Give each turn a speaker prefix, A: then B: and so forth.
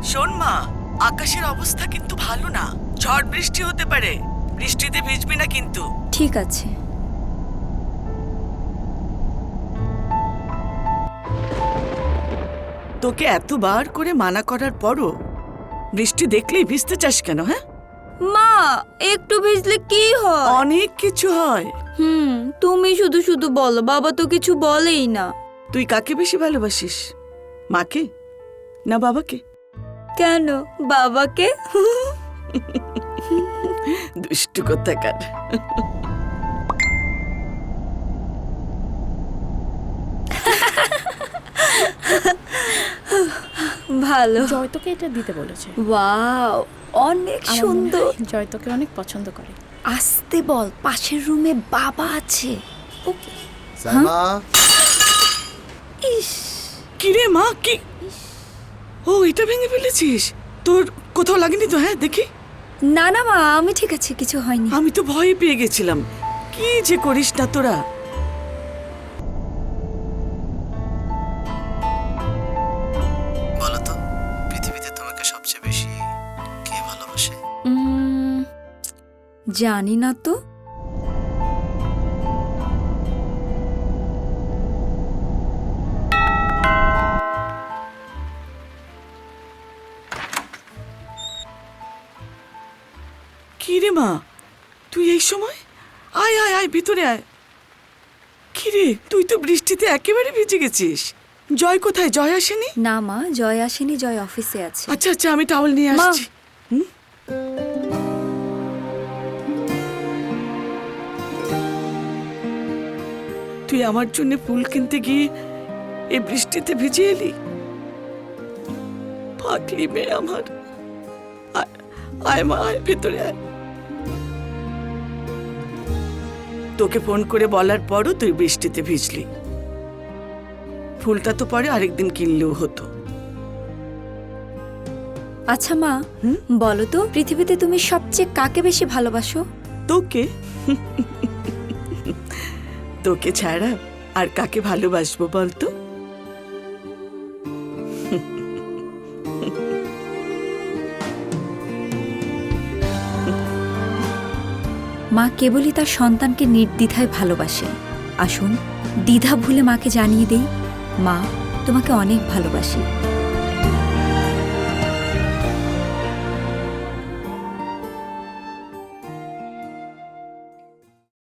A: শোন মা, আকাশের অবস্থা কিন্তু ভালো না, ঝড় বৃষ্টি হতে পারে। বৃষ্টিতে ভিজবি না কিন্তু।
B: ঠিক আছে।
A: তোকে এতবার করে মানা করার পরও বৃষ্টি দেখলেই ভিজতে চাস কেন? হ্যাঁ,
B: মা, একটু ভিজলে কি হয়?
A: অনেক কিছু হয়।
B: তুমি শুধু শুধু বলো, বাবা তো কিছু বলেই না।
A: তুই কাকে বেশি ভালোবাসিস, মাকে না বাবাকে?
B: কেন বাবাকে?
A: দুষ্টু কোথাকার।
B: ভালো।
C: জয় তোকে এটা দিতে বলেছে।
B: ওয়াও, অনেক সুন্দর।
C: জয় তোকে অনেক পছন্দ করে।
B: আসতে বল, পাশের রুমে বাবা আছে।
C: ওকে।
D: সাইমা,
B: ইস,
A: কিরে মা, কি? ও, এটা ভেঙে ফেলেছিস? তোর কোথাও লাগেনি তো? হ্যাঁ দেখি।
B: না না মা, আমি ঠিক আছে, কিছু হয়নি।
A: আমি তো ভয় পেয়ে গেছিলাম। কি যে করিস না তোরা।
D: বলো তো, পৃথিবীতে তোমাকে সবচেয়ে বেশি কে ভালোবাসে?
B: জানি না তো।
A: কি রে মা, তুই এই সময়? আয় আয় আয়, ভিতরে আয়। কি রে, তুই তো বৃষ্টিতে একেবারে ভিজে গেছিস। জয় কোথায়? জয় আসেনি?
B: না মা, জয় আসেনি, জয় অফিসে আছে।
A: আচ্ছা আচ্ছা, আমি টাওয়াল নিয়ে
B: মা।
A: আসছি। হুম? তুই আমার জন্য ফুল কিনতে গিয়ে এই বৃষ্টিতে ভিজে এলি? পাগলি মেয়ে আমার। আয়, আয় মা, আয় ভিতরে আয়। তোকে ফোন করে বলার পরও তুই বৃষ্টিতে ভিজলি। ফুলটা তো পরে আরেকদিন কিনলেও হতো।
B: আচ্ছা মা, বলো তো, পৃথিবীতে তুমি সবচেয়ে কাকে বেশি ভালোবাসো?
A: তোকে। তোকে ছাড়া আর কাকে ভালোবাসবো বলতো?
B: মা কেবলই তার সন্তানকে নির্দ্বিধায় ভালোবাসে। আসুন দ্বিধা ভুলে মাকে জানিয়ে দেই, মা তোমাকে অনেক ভালোবাসি।